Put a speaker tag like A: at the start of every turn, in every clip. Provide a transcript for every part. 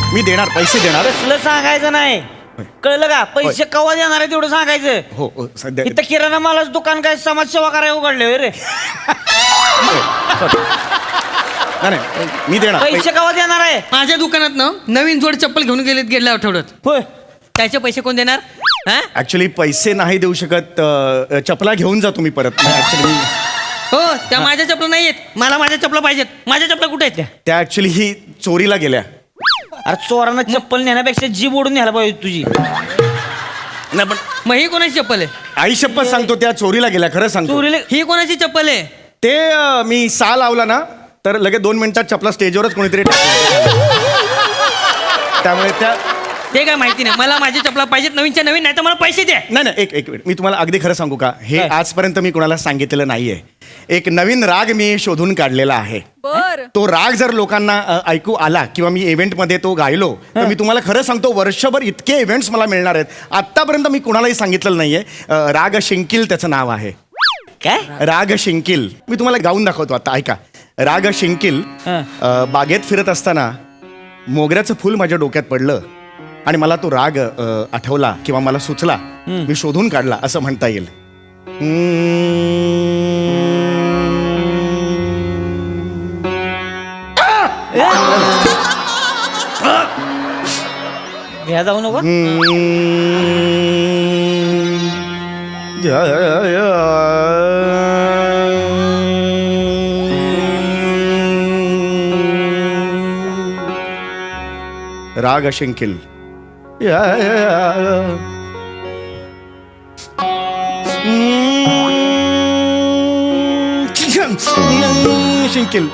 A: मी देणार, पैसे देणार.
B: कसलं सांगायचं नाही, कळलं का? पैसे कवा देणार आहे तेवढं सांगायचं.
A: हो सध्या
B: इथं किराणा मालाचं दुकान काय समाजसेवा करायला उघडले रे.
A: नाही मी देणार.
B: पैसे कवा देणार आहे?
C: माझ्या दुकानात ना नवीन जोड चप्पल घेऊन गेल्या आठवड्यात.
B: होय,
C: त्याचे पैसे कोण देणार? हा?
A: ऍक्च्युली पैसे नाही देऊ शकत. चपला घेऊन जा तुम्ही परत. ऍक्च्युली
C: हो, त्या माझ्या चपला नाही आहेत. मला माझ्या चपला पाहिजेत. माझ्या चपला कुठे आहेत त्या?
A: त्या ऍक्च्युली ही चोरीला गेल्या.
B: अरे चोरांना चप्पल नेण्यापेक्षा जीभ ओढून न्यायला पाहिजे तुझी.
A: नाही पण
C: मग ही कोणाची चप्पल आहे?
A: आई शपथ सांगतो त्या चोरीला गेल्या, खरं सांगतो.
B: चोरीला
C: ही कोणाची चप्पल आहे?
A: ते मी सा लावला ना तर लगेच 2 मिनिटात चपला स्टेजवरच कोणीतरी त्यामुळे त्या
C: ते काय माहिती नाही. मला माझी चपला पाहिजेत नवीनच्या नवीन, नाही तर मला पैसे द्या.
A: नाही एक मिनिट, मी तुम्हाला अगदी खरं सांगू का? हे
B: काय?
A: आजपर्यंत मी कोणाला सांगितलेलं नाहीये. एक नवीन राग मी शोधून काढलेला आहे. तो राग जर लोकांना ऐकू आला किंवा मी इव्हेंटमध्ये तो गायलो तर मी तुम्हाला खरं सांगतो वर्षभर इतके इव्हेंट्स मला मिळणार आहेत. आतापर्यंत मी कुणालाही सांगितलेलं नाहीये. राग शिंकील त्याचं नाव आहे.
B: काय?
A: राग शिंकील. मी तुम्हाला गाऊन दाखवतो आता, ऐका. राग शिंकील. बागेत फिरत असताना मोगऱ्याचं फूल माझ्या डोक्यात पडलं आणि मला तो राग आठवला किंवा मला सुचला, मी शोधून काढला असं म्हणता येईल.
B: घ्या जाऊ नको.
A: राग शिंकील. शिंकील.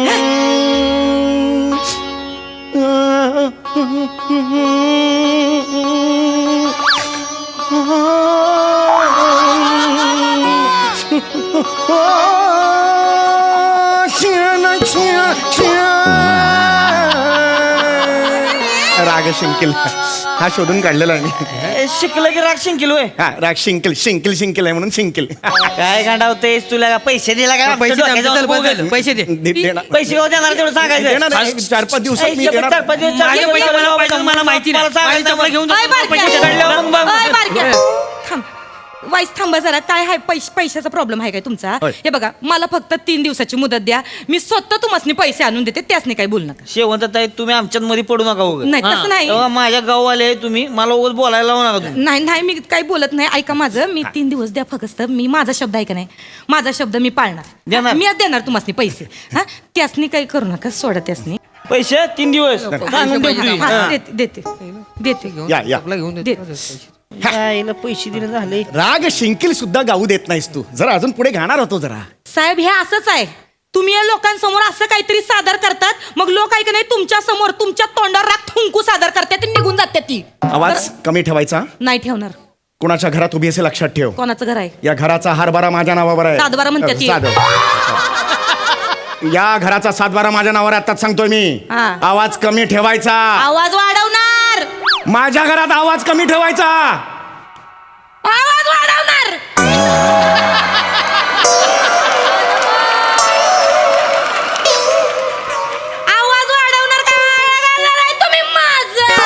A: राग शिंकील हा शोधून काढलेला आहे.
B: शिकलं की राग शिंकील होय.
A: हा राग शिंकील शिंकील शिंकील आहे म्हणून शिंकील.
B: काय गांडावतेस तुला? का पैसे दिला का?
C: पैसे दे,
B: डोक्यात जाऊन
C: चल,
B: बघ.
C: चल, पैसे दे.
B: पैसे कवा देणार तेवढं सांगायचं.
A: देणार आहे. 4-5 दिवसात मी देणार.
B: 4-5 दिवस
C: माझे पैसे मला पाहिजे, मला माहिती नाही. माझी चपला घेऊन जा,
D: अय, बारक्या.
C: पैसे काढल्यावर मग बघ.
D: अय, बारक्या. थांब. वाईस थांबा जरा. काय आहे पैशाचा प्रॉब्लेम आहे काय तुमचा?
A: होय.
D: हे बघा, मला फक्त 3 दिवसाची मुदत द्या. मी स्वतः तुम्हाला पैसे आणून देते. त्यासनी काही बोलू नका.
B: शेवंत ताई तुम्ही आमच्यात मध्ये पडू नका उगाच.
D: नाही
C: हा.
D: तसं नाही.
B: तेव्हा माझ्या गाववाले आहे तुम्ही, मला उगाच बोलायला लावू नका तुम्ही.
D: नाही मी काही बोलत नाही. ऐका माझं. मी 3 दिवस द्या फक्त. मी माझा शब्द ऐका नाही. माझा शब्द मी पाळणार.
B: देणार?
D: मी देणार तुम्हाला पैसे. हा, त्यासनी काही करू नका. सोडा त्यासनी.
B: पैसे 3 दिवस सांगून
C: पैसे
B: ठेवतो.
D: हा,
B: हा.
D: देते.
A: या.
C: चपला घेऊन
D: दे.
C: देतो.
B: आईला पैसे दिले झाले.
A: राग शिंकील सुद्धा गाऊ देत नाहीस तू. जरा अजून पुढे घाणार होतो जरा.
D: साहेब, हे असंच आहे. तुम्ही या लोकांसमोर असं काहीतरी सादर करतात, मग लोक ऐक नाही तुमच्या समोर तुमच्या तोंडावर राग थुंकू सादर करतात आणि निघून जातात ती.
A: आवाज कमी ठेवायचा.
D: नाही ठेवणार.
A: कोणाच्या घरात उभी असे लक्षात ठेव.
D: कोणाचं घर आहे?
A: या घराचा हारबारा माझ्या नावावर आहे.
D: सातबारा म्हणतात ती.
A: या घराचा 7-12 माझ्या नावावर आहे, आताच सांगतोय मी.
D: हा.
A: आवाज कमी ठेवायचा.
D: आवाज वाढवणार.
A: माझ्या घरात आवाज कमी ठेवायचा.
D: आवाज वाढवणार. आवाज वाढवणार काय करणार आहे तुम्ही माझं?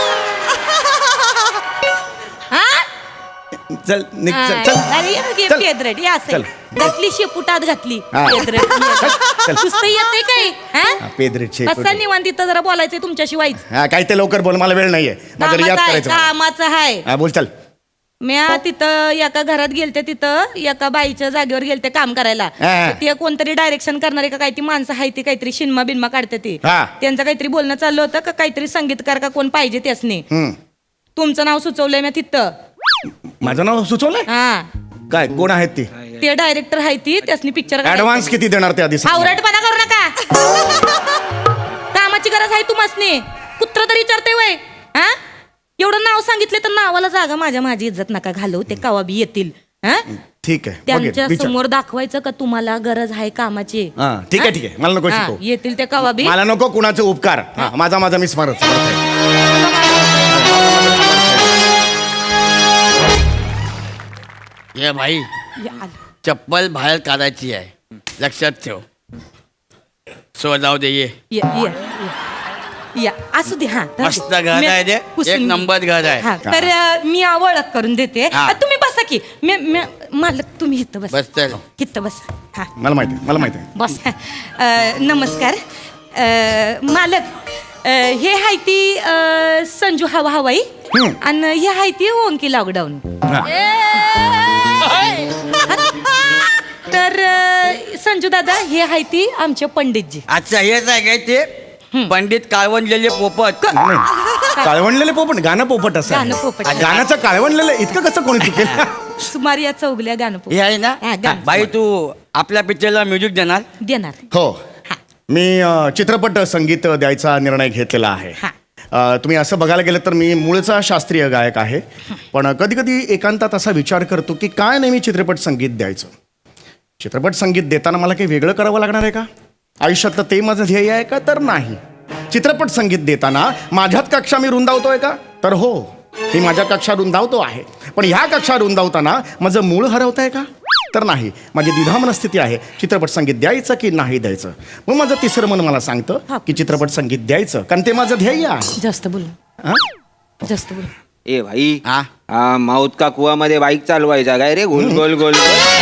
D: हा?
A: चल निघ, चल, चल.
D: अरे, हे
A: चल.
D: पेदरेट, हे असं आहे.
A: चल.
D: घातली शेपुटात घातली.
A: हा.
D: पेदरेट.
A: चल.
D: नुसतं येते काय?
A: हा, पेदरेट शेपूट.
D: कसं निवांत तिथं जरा बोलायचंय तुमच्याशी वाईच.
A: हा काय ते लवकर बोल, मला वेळ नाहीये. माझं रियाज करायचं मला.
D: कामाचं आहे.
A: हा बोल चल.
D: म्या तिथं एका घरात गेलते, तिथं एका बाईच्या जागेवर गेलते काम करायला.
A: हा.
D: ते कोणतरी डायरेक्शन करणारे का काही ती माणसं आहे ती काहीतरी शिनमा बिनमा काढते ती.
A: हा.
D: त्यांचं काहीतरी बोलणं चाललं होतं का काहीतरी संगीतकार का कोण पाहिजे त्यासनी.
A: हम्म.
D: तुमचं नाव सुचवलंय म्या तिथं.
A: माझं नाव सुचवलंय.
D: हा,
A: काय कोण आहेत ती?
D: ते डायरेक्टर आहे ती. त्यासनी पिक्चर
A: ऍडव्हान्स किती देणार ते आधी सांग.
D: आवरटपणा करू नका. कामाची गरज आहे तुम्हासनी. कुत्र तरी विचारते वय. हा, एवढं नाव सांगितलं तर नावाला जागा माझी इज्जत नका घालू. ते कवा बी येतील. हा,
A: ठीक आहे
D: त्यांच्या
A: विचार.
D: समोर दाखवायचं का तुम्हाला गरज आहे कामाची.
A: हा, ठीक आहे ठीक आहे. मला नको
D: हा,
A: शिकवू.
D: येतील ते कवा बी.
A: मला नको कुणाचे उपकार. हा, माझा मी स्मरत.
C: ये भाई,
D: या,
C: चप्पल बाहेर काढायची आहे, लक्षात ठेव. सो जाऊ दे. ये
D: ये. या असू दे हा राहू
B: मस्त
D: दे.
B: घर
D: मी
B: आहे ते.
D: पुसून
B: एक
D: घेईन.
B: नंबर घर आहे.
D: हा, तर मी ओळख करून देते
B: हा.
D: तुम्ही बसा की मालक तुम्ही इथं बस
B: बस चल.
D: इथं बसा हा
A: मला माहिती आहे, मला माहिती आहे.
D: बस नमस्कार मालक हे हाय ती संजू हवा हवाई आणि हे हाय ती ओंकी लॉकडाऊन
A: हा.
D: तर संजू दादा हे हाय ती आमचे पंडितजी
B: अच्छा हेच आहे काय ते पंडित काळवंडलेले पोपट.
A: नाही, काळवंडलेले पोपट गाणं पोपट असं आहे.
D: गाणं पोपट.
A: गाण्याचं काळवंडलेलं इतकं कसं कोणी चुकेल
D: सुमार या चौगल्या गाणं
B: हे आहे ना
D: हा, गाणं.
B: बाई तू आपल्या पिक्चरला म्युझिक देणार.
D: देणार
A: हो
D: हा.
A: मी चित्रपट संगीत द्यायचा निर्णय घेतलेला आहे.
D: हा.
A: तुम्ही असं बघायला गेलं तर मी मूळचा शास्त्रीय गायक आहे, पण कधी कधी एकांतात असा विचार करतो की काय नेहमी चित्रपट संगीत द्यायचं. चित्रपट संगीत देताना मला काही वेगळं करावं लागणार आहे का आयुष्यातलं, ते माझं ध्येय आहे का तर नाही. चित्रपट संगीत देताना माझ्यात कक्षा मी रुंदावतोय का तर हो, मी माझ्या कक्षा रुंदावतो आहे, पण ह्या कक्षा रुंदावताना माझं मूळ हरवत आहे का तर नाही. माझी द्विधा मनस्थिती आहे, चित्रपट संगीत द्यायचं की नाही द्यायचं. मग माझं तिसरं मन मला सांगतं की चित्रपट संगीत द्यायचं, कारण ते माझं ध्येय आहे.
D: जास्त बोल
A: हा?
D: जास्त बोल
E: ए भाई
B: हा?
E: हा माऊत का कुवामध्ये बाईक चालवायचा काय रे गोल गोल गोल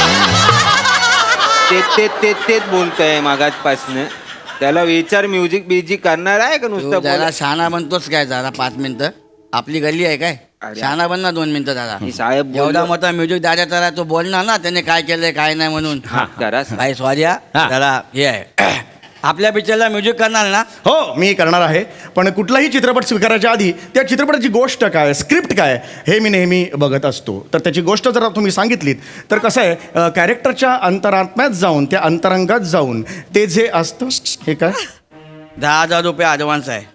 E: तेच बोलतोय मागासपासनं. त्याला विचार म्युझिक बिझिक करणार आहे का
B: तू
E: नुसतं
B: जरा
E: बोल?
B: शहाणा बनतोस काय जरा 5 मिनिटं. आपली गल्ली आहे काय
E: अरे.
B: शहाणा बन ना 2 मिनिटं जरा.
E: मी साहेब बोललो.
B: एवढा मोठा म्युझिक दादा जरा तो बोलणार ना त्याने काय केलंय काय नाही म्हणून.
E: जरा
B: भाई स्वाद्या
A: हा.
B: जरा हे आहे आपल्या पिक्चरला म्युझिक करणार ना.
A: हो मी करणार आहे, पण कुठलाही चित्रपट स्वीकारायच्या आधी त्या चित्रपटाची गोष्ट काय, स्क्रिप्ट काय हे मी नेहमी बघत असतो. तर त्याची गोष्ट जर तुम्ही सांगितलीत तर कसं आहे, कॅरेक्टरच्या अंतरात्म्यात जाऊन त्या अंतरंगात जाऊन ते जे असतं हे काय
B: 10,000 रुपये ॲडव्हान्स आहे.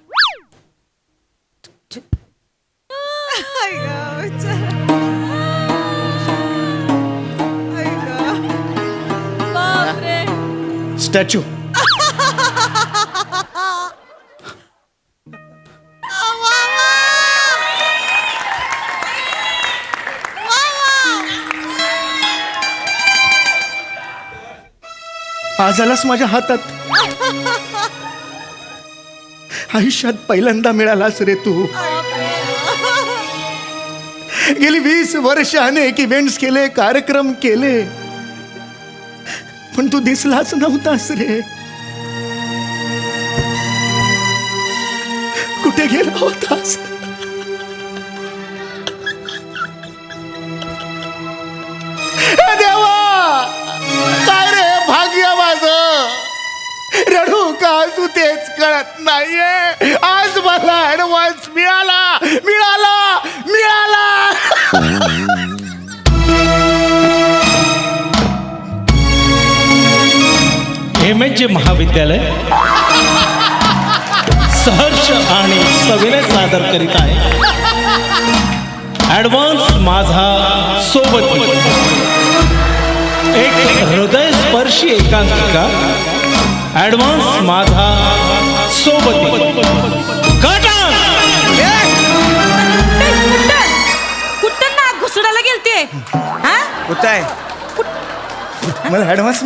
A: स्टॅच्यू. आज आलास माझ्या हातात, आयुष्यात पहिल्यांदा मिळालास रे तू. गेली 20 वर्ष अनेक इव्हेंट्स केले, कार्यक्रम केले, पण तू दिसलाच नव्हतास रे. कुठे गेला होतास? देवा, काय रे भाग्य माझं, रडू का हसू तेच कळत नाहीये. आज मला ऍडव्हान्स मिळाला मिळाला मिळाला.
F: MH महाविद्यालय सहर्ष आणि सविनय सादर करीत आहे ॲडव्हान्स माझा सोबत, एक हृदयस्पर्शी एकांकिका. ॲडव्हान्स माझा सोबत.
D: कुठं नाक घुसडायला गेलते हा
B: कुठं आहे
A: मला ऍडव्हान्स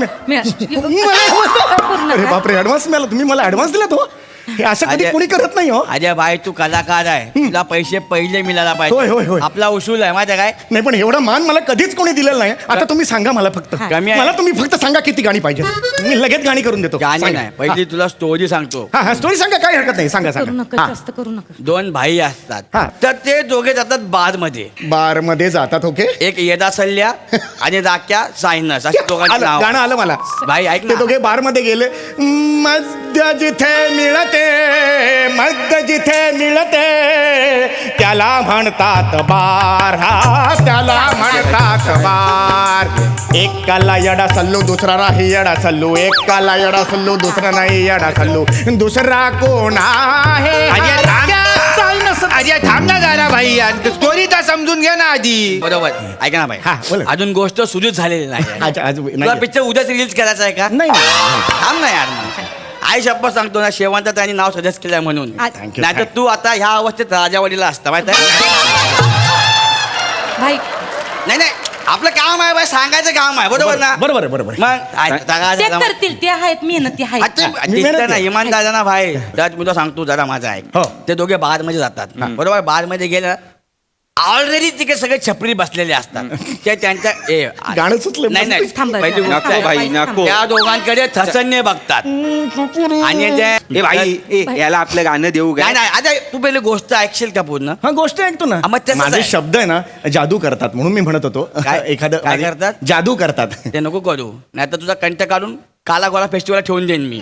A: अरे बापरे, ऍडव्हान्स मिळाला. तुम्ही मला ऍडव्हान्स दिला तो, हे असं कधी
B: अरे.
A: कोणी करत नाही हो.
B: अजय भाई तू कलाकार आहे, तुला पैसे पहिले मिळायला
A: होय, होय, होय.
B: पाहिजे. आपला उसूल आहे माहिती आहे काय.
A: नाही पण एवढा मान मला कधीच कोणी दिलेला नाही. आता तुम्ही सांगा मला फक्त,
B: कमी आहे.
A: मला तुम्ही फक्त सांगा किती गाणी पाहिजे, मी लगेच गाणी करून देतो.
B: गाणी
A: सांगा.
B: नाही पहिली तुला स्टोरी सांगतो.
A: हा हा स्टोरी सांगा, काही हरकत नाही, सांगा
D: करू
A: सांगा.
D: नका
A: हा.
D: जास्त करू नका
B: 2 भाई असतात,
A: हा.
B: तर ते दोघे जातात बार मध्ये.
A: बार मध्ये जातात. ओके,
B: एक येदा सल्ल्या आणि राख्या सायनस अशी दोघांची
A: आलं,
B: नाव.
A: गाणं आलं मला.
B: भाई ऐक
A: ते
B: ना.
A: दोघे बार मध्ये गेले. मद्य जिथे मिळते, मद्य जिथे मिळते त्याला म्हणतात बार. हा त्याला म्हणतात बार. एकाला येडा सल्लू दुसरा नाही येडा सल्लू, एकाला येडा सल्लू दुसरा नाही येडा सल्लू, दुसरा कोण आहे?
E: अजय थांब ना जरा भाई, स्टोरी तर समजून घ्या ना आधी.
B: बरोबर ऐका ना भाई,
A: हा, बोला.
B: अजून गोष्ट सुरूच झालेली नाही.
A: आज
B: तुला
A: नाही
B: पिक्चर उद्याच रिलीज करायचा आहे का.
A: नाही, नाही.
B: थांब ना यार मग. आई शप्पथ सांगतो ना, शेवंत त्यांनी नाव सजेस्ट केलंय म्हणून.
A: Thank you,
B: नाहीतर
A: thank
B: तू आता ह्या अवस्थेत राजावाडीला असता माहित आहे.
D: भाई
B: नाही नाही
G: आपलं काम आहे बाई, सांगायचं काम आहे, बरोबर ना?
A: बरोबर आहे, बरोबर आहे.
G: मग
D: ते करतील, ते आहेत मेहनती आहेत.
A: मी मेहनत
G: ना इमान दादा ना भाई, त्यात मी तुला सांगतो जरा माझा आहे.
A: हो.
G: ते दोघे बार मध्ये जातात बरोबर. बार मध्ये गेले ऑलरेडी तिकडे सगळे छपरी बसलेले असतात. ते त्यांच्या
A: गाणं सुचलं.
G: नाही नाही
D: थांबा,
G: पहिली
D: थांबा,
G: गोष्ट आहे,
E: भाई,
D: थांबा,
E: नको.
G: त्या दोघांकडे थसन्य बघतात आणि
E: ए भाई याला आपलं गाणं देऊ
G: नाही
E: का?
G: नाही आता तू पहिली गोष्ट ऐकशील का पूर्ण?
A: हा गोष्ट ऐकतो ना.
G: मग तसंच
A: माझे
G: आहे.
A: शब्द आहे ना जादू करतात म्हणून मी म्हणत होतो.
G: काय?
A: एखादं
G: काय करतात?
A: जादू करतात.
G: ते नको करू, नाही तर तुझा कंठ काढून काला गोळा फेस्टिवल ठेवून देईन मी.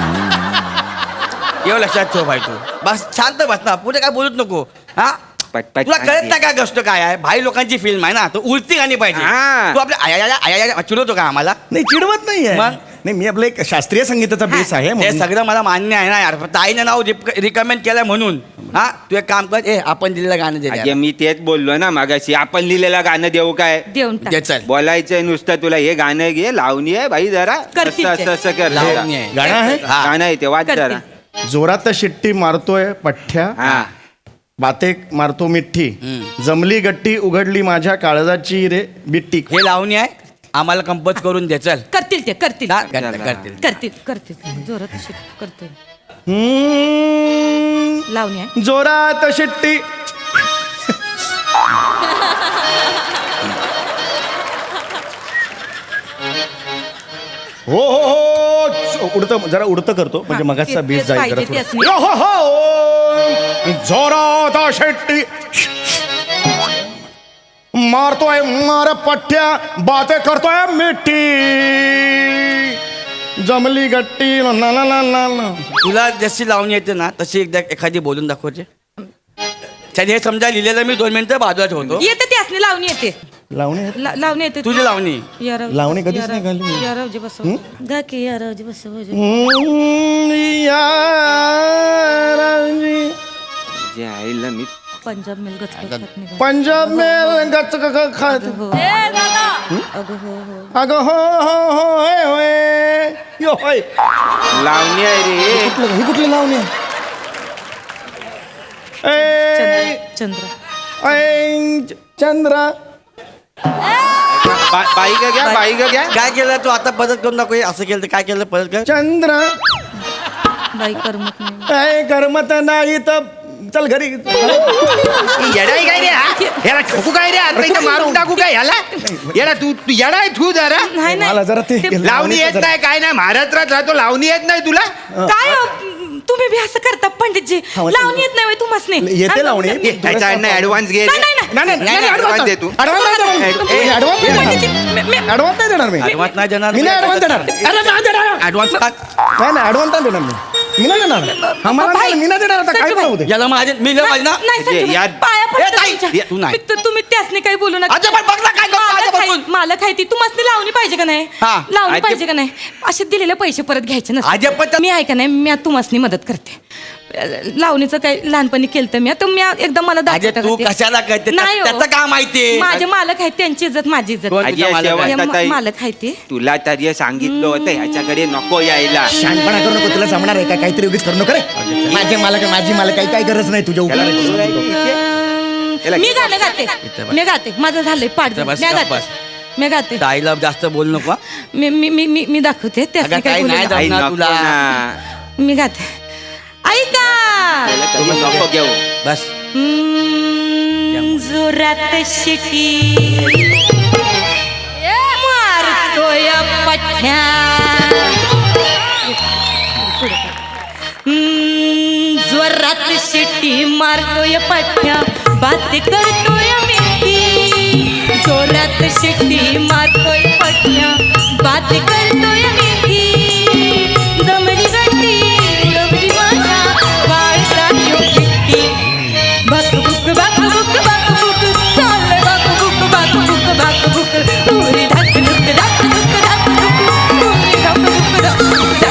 G: एवढं लक्षात ठेव भाई तू. बस शांत बस ना, पुढे काय बोलूच नको. हा
E: पटपट
G: तुला कळत नाही काय गोष्ट काय आहे? भाई लोकांची फिल्म आहे ना, तो उलटी गाणी पाहिजे.
E: हा.
G: तू आपल्या आया चिडवतो का आम्हाला?
A: नाही चिडवत नाहीये.
G: मग?
A: नाही मी आपलं एक शास्त्रीय संगीताचा बेस आहे
G: हे
A: म्हणून.
G: सगळं मला मान्य आहे ना यार, फक्त आईने नाव रिकमेंड केलं म्हणून. हा तू एक काम कर, आपण दिलेलं गाणं दे
E: अगे मी तेच बोललो ना मागाशी, आपण लिहिलेलं गाणं देऊ काय?
D: देऊन टाक.
G: दे चल.
E: बोलायचंय नुसतं तुला, हे गाणं घे, लावणी आहे भाई जरा
D: करतील
E: असं
D: ते.
E: असं कर
G: लावणी आहे.
A: गाणं आहे?
G: हा.
E: गाणं आहे ते वाच
D: करतील.
E: जरा.
A: जोरात शिट्टी मारतोय पठ्ठ्या,
E: हा
A: बाते मारतो मिठ्ठी, जमली गट्टी उघडली माझ्या काळजाची रे बिट्टी.
G: हे लावणी आहे, आम्हाला कंपोज करून दे चल.
D: करतील ते, करतील
G: हा, करतील.
D: करतील करतील जोरात करतील.
A: हम्म,
D: लावणी आहे.
A: जोरात शिट्टी हो हो हो उडतं जरा उडतं करतो म्हणजे
D: हा,
A: मगाचा
D: ते-
A: बीज
D: तेच
A: जाईल
D: पाहिजे,
A: जरा
D: तेच
A: थोडं. यो हो हो जोरात शिट्टी मारतोय मार पठ्ठ्या बाते करतोय मिठी जमली गट्टी ला ला ला ला ला.
G: तुला जशी लावणी येते ना तशी एकदा एखादी बोलून दाखवते. त्याने हे समजा लिहिलेलं मी 2 मिनिटं बाजूला ठेवतो.
D: येते ते असणे लावणी येते.
A: लावणी
D: लावणी येते.
G: तुझी लावणी
A: लावणी कधीच नाही घालली मी.
D: यारावजी बसव गा की यारावजी बसव.
E: जे आईला मी
D: पंजाब मेल गच
A: पंजाब में गच खात
D: अगं हो हो
A: अगं हो हो हो होय होय यो होय.
E: लावणी आहे रे.
A: ही कुठली लावणी आहे? ए,
D: चंद्र
A: ऐ, चंद्रा
E: बाई का घ्या, बाई का घ्या.
G: काय केलं तू आता परत करून दाखव. हे असं केलं तर काय केलं परत कर.
A: चंद्र
D: बाई करमत नाही.
A: ऐ करमत नाही तर चल घरी.
E: येडाय काय रे हा? याला ठोकू काय रे? आता इथं मारून टाकू काय ह्याला? याला तू येडाय तू जरा.
D: नाही
A: मला जरा ते
E: लावणी येत नाही काय नाही, महाराष्ट्रात राहतो, लावणी येत नाही तुला?
D: काय हो, तुम्ही बी असं करता पंडितजी.
A: हा,
D: लावणी येत नाही तुम्हाला
A: येते लावणी.
E: ह्याच्याकडनं ऍडव्हान्स घे रे.
A: ऍडव्हान्स
E: दे तू.
A: ऍडव्हान्स नाही देणार मी.
G: ऍडव्हान्स नाही देणार.
A: मी नाही ऍडव्हान्स देणार. अरे नाही देणार.
G: ऍडव्हान्स
A: नाही नाही ऍडव्हान्स नाही देणार मी. मी नाही देणार. हा, मला नाही, मी नाही देणार. आता काय करू दे.
G: याला माझे मी नाही पाहिजे ना.
D: नाही संजू,
E: यार-
D: पाया पडते
G: ए, ताई,
D: तुमच्या.
G: तू नाही.
D: तुम्ही त्यासने काही बोलू नका.
G: अच्छा, पण बघ ना काय करतो आजपासून.
D: मला खायती तुम्हाला लावणी पाहिजे का नाही?
G: हा.
D: लावणी
E: आजी-
D: पाहिजे का नाही? असे दिलेले पैसे परत घ्यायचे
G: आजी, पण
D: नसते. मी आहे का नाही, मी तुम्हाला मदत करते. लावणीचं काही लहानपणी केलं तर मी आता मी एकदा मला
G: अजय,
D: दाखवता
G: तू
D: का ते?
G: कशाला करते?
D: नाही हो.
G: त्याचं काय माहिती?
D: माझे मालक आहेत, त्यांची इज्जत माझी इज्जत.
G: कोण?
E: आजी,
G: तुझा मालक
E: शेवट
G: आहे.
D: हे
E: आता
D: मालक आहे ते.
E: तुला तरी सांगितलं होतं ह्याच्याकडे नको यायला.
A: शहाणपणा करू नको. तुला जमणार आहे का? काहीतरी उगीच करू नको रे. माझे मालक माझी मालक काही गरज नाही तुझ्या
E: त्याला
A: उपकाराची.
E: बोलू राहिली तिथे. याला
D: मी
E: किती
D: गाणं गाते. मी गाते. माझं झालंय पाठ.
G: इथं बस,
D: मी
G: गप्प
D: गाते.
G: बस.
D: मी गाते.
G: ताईला जास्त बोल नको.
D: मी मी मी मी मी दाखवते त्यासनी
G: अगं,
D: काय
G: ताई
D: बोलू
G: नाही
D: नका.
E: आई,
G: जमणार
E: नको
G: तुला.
E: ना.
D: मी गाते. ऐका
E: त्याला तरी नको घेऊ.
G: बस
D: जोरात शिटी मारतोय पठ्ठ्या जोरात शिटी मारतोय पठ्ठ्या बात करतोय मिठी. जोरात शिटी मारतोय पठ्ठ्या बात करतोय मिठी. जमली गट्टी उडवली माझ्या वाळसाची चिट्टी. बाकबुक बाकबुक बाकबुक चाललंय बाकबुक बाकबुक बाकबुक उरी धाकधुक धाकधुक धाकधुक उरी धाकधुक धाकधुक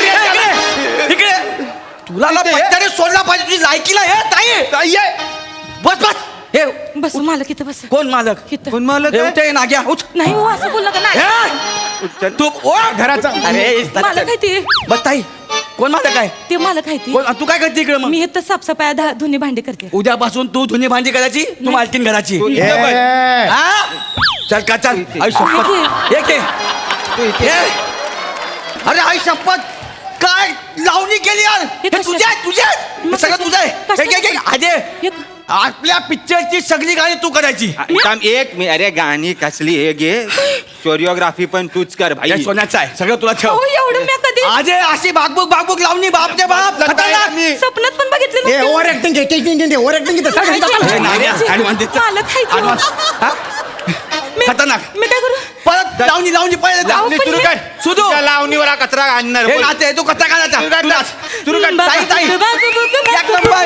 G: तुला ना पट्ट्याने सोडला पाहिजे. तुझी लायकीला हे ताई बस बस हे
D: बस मालक इथं बस
G: कोण मालक
D: इथं.
E: कोण मालक
G: हे
E: आहे?
G: उठे नाग्या उठ
D: नाही हो असं बोलला का नाही
G: हे! तू ओ
A: घराचा
G: अरे
D: मालक आहे ते
G: बस ताई कोण मालक आहे
D: ते मालक आहे ते
G: कोण तू काय करते इकडे मग
D: मी इथं साफसफाई धुनी भांडी करते
G: उद्यापासून तू धुनी भांडी करायची तू मालकीन घराची
E: तू इथं बस.
A: ए,
G: हा? चल का चल आई शपथ एक
E: तू इथे
G: हे. अरे आई शपथ काय लावणी केली यार हे
D: कशात?
G: तुझे आहे तुझे आहे. हे सगळं तुझं आहे
D: कशात?
G: एक, एक, एक. अजय
D: हे-
G: आपल्या पिक्चरची सगळी गाणी तू करायची
E: थांब एक मी अरे गाणी कसली हे घे कोरिओग्राफी पण तूच कर भाई
G: हे सोन्याचं आहे सगळं तुला ठेव
D: हो एवढं मी कधी
G: अजय अशी भागबुक लावणी बाप रे बाप खतरनाक.
D: स्वप्नात पण बघितलं
A: ए
D: नव्हतं.
A: ओव्हर ऍक्टिंग ओव्हर ऍक्टिंग
G: हे नाऱ्या, advance देतो.
D: मालक आहे तो.
G: Advance. हा?
D: मी-
G: खतरनाक.
D: मी काय करू
G: परत लावणी पहिले
D: लावणी
G: सुरू
D: पण
G: कर
D: हे-
G: सुरू
E: तुझ्या लावणीवर हा कचरा आणणार
G: हे
E: बोल.
G: नाचे तू कसा काढायचा
E: सुरू कर,
G: तू नाच.
E: सुरू कर.
G: ताई ताई एक नंबर.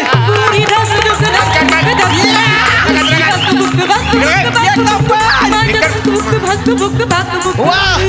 G: एक नंबर. वा